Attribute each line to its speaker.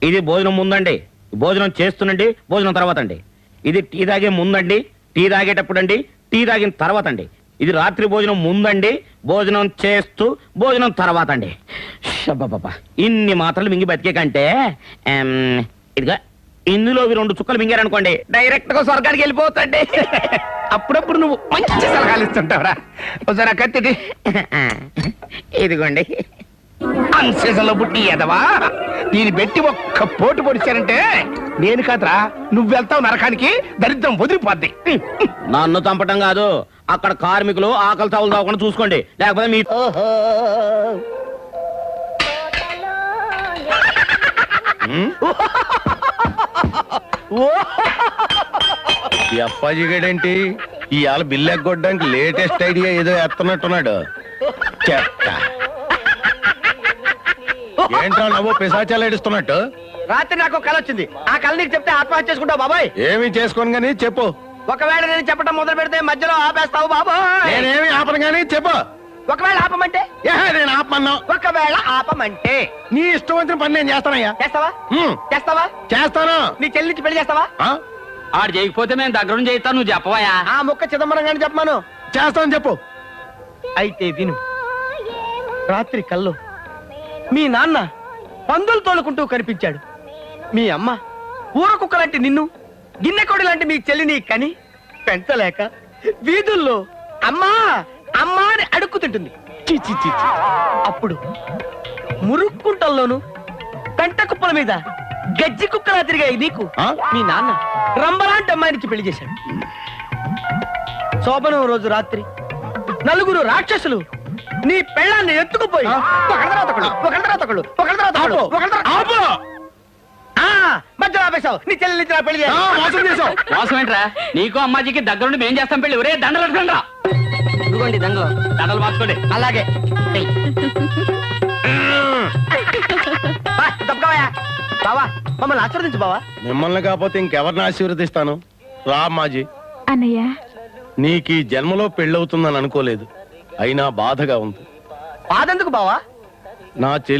Speaker 1: ఇది భోజనం ముందండి, భోజనం చేస్తునండి, భోజనం తర్వాత అండి. ఇది టీ తాగే ముందండి, టీ తాగేటప్పుడు అండి, టీ తాగిన తర్వాత అండి. ఇది రాత్రి భోజనం ముందండి, భోజనం చేస్తూ భోజనం తర్వాత అండి. షబ్బబ్బబ్బా, ఇన్ని మాత్రలు మింగి బతికే కంటే ఇదిగా ఇందులో 2 చుక్కలు మింగారనుకోండి డైరెక్ట్ గా స్వర్గానికి వెళ్ళిపోతండి.
Speaker 2: అప్పుడప్పుడు నువ్వు మంచి సలహాలు ఇస్తుంటావురా. ఒకసారి కత్తిది.
Speaker 1: ఇదిగోండి.
Speaker 2: అన్సీజన్ లో పుట్టి ఎదవా దీన్ని పెట్టి ఒక్క పోటు పొడిచారంటే నేను కాదురా, నువ్వు వెళ్తావు నరకానికి, దరిద్రం వదిలిపోద్ది.
Speaker 1: నన్ను చంపటం కాదు, అక్కడ కార్మికులు ఆకలి తావులు తాగకుండా చూసుకోండి, లేకపోతే మీ
Speaker 3: ఈ అప్పాజీ గడేంటి ఇవాళ బిల్లు ఎగ్గొట్టడానికి లేటెస్ట్ ఐడియా ఏదో ఎత్తనట్టున్నాడు. చెత్త ఏంట్రా నవ్వు పిశాచాలు ఏడుస్తున్నట్టు?
Speaker 2: రాత్రి నాకు కళ వచ్చింది. ఆ కళ నీకు చెప్తే ఆత్మహత్య చేసుకుంటావు బాబాయ్.
Speaker 3: ఏమి చేసుకోను గానీ చెప్పు.
Speaker 2: ఒకవేళ నేను చెప్పడం మొదలు పెడితే మధ్యలో ఆపేస్తావు బాబాయ్.
Speaker 3: నేనేమి ఆపను గానీ చెప్పు.
Speaker 2: ఒకవేళ ఆపమంటే?
Speaker 3: నేను ఆపమన్నా.
Speaker 2: ఒకవేళ ఆపమంటే
Speaker 3: నీ ఇష్టం వచ్చిన పని నేను చేస్తానయ్యా.
Speaker 2: చేస్తావా? చేస్తావా?
Speaker 3: చేస్తాను.
Speaker 2: నీ చెల్లించి పెళ్లి చేస్తావా?
Speaker 1: ఆడు చేయకపోతే మేము దగ్గరుండి చేయిస్తాను, నువ్వు చెప్పవయా.
Speaker 2: ఆ ముక్క చిదంబరం గాని చెప్పమాను.
Speaker 3: చేస్తాను చెప్పు.
Speaker 2: అయితే విను. రాత్రి కల్లో మీ నాన్న పందులు తోలుకుంటూ కనిపించాడు. మీ అమ్మ ఊర కుక్క లాంటి నిన్ను, గిన్నెకోడి లాంటి మీ చెల్లిని కని పెంచలేక వీధుల్లో అమ్మా అమ్మా అని అడుక్కుతుంటుంది. చీ చీ చీ చీ. అప్పుడు మురుక్కుంటల్లోను కంట కుప్పల మీద గజ్జి కుక్కలా తిరిగాయి నీకు మీ నాన్న రంబలాంటి అమ్మాయినికి పెళ్లి చేశాడు. శోభనం రోజు రాత్రి 4 రాక్షసులు నీ పెళ్ళాన్ని ఎత్తుకుపోయి మధ్యలో ఆపేశావు. నీ చెల్లి పెళ్లి చేశావు.
Speaker 1: మోసం ఏంట్రా? నీకు అమ్మాజీకి దగ్గరుండి మేం చేస్తాం పెళ్లి. ఒరే దండలు అడగండి రా.
Speaker 2: ఇదిగోండి దండలు.
Speaker 1: దండలు మార్చుకోండి.
Speaker 2: అలాగే తప్పవా బావా, మమ్మల్ని ఆశీర్వదించు బావా.
Speaker 3: మిమ్మల్ని కాకపోతే ఇంకెవరిని ఆశీర్వదిస్తాను? రా అమ్మాజీ.
Speaker 4: అన్నయ్య,
Speaker 3: నీకు ఈ జన్మలో పెళ్ళవుతుందని అనుకోలేదు, అయినా బాధగా ఉంది.
Speaker 2: బాధెందుకు బావా?
Speaker 3: నా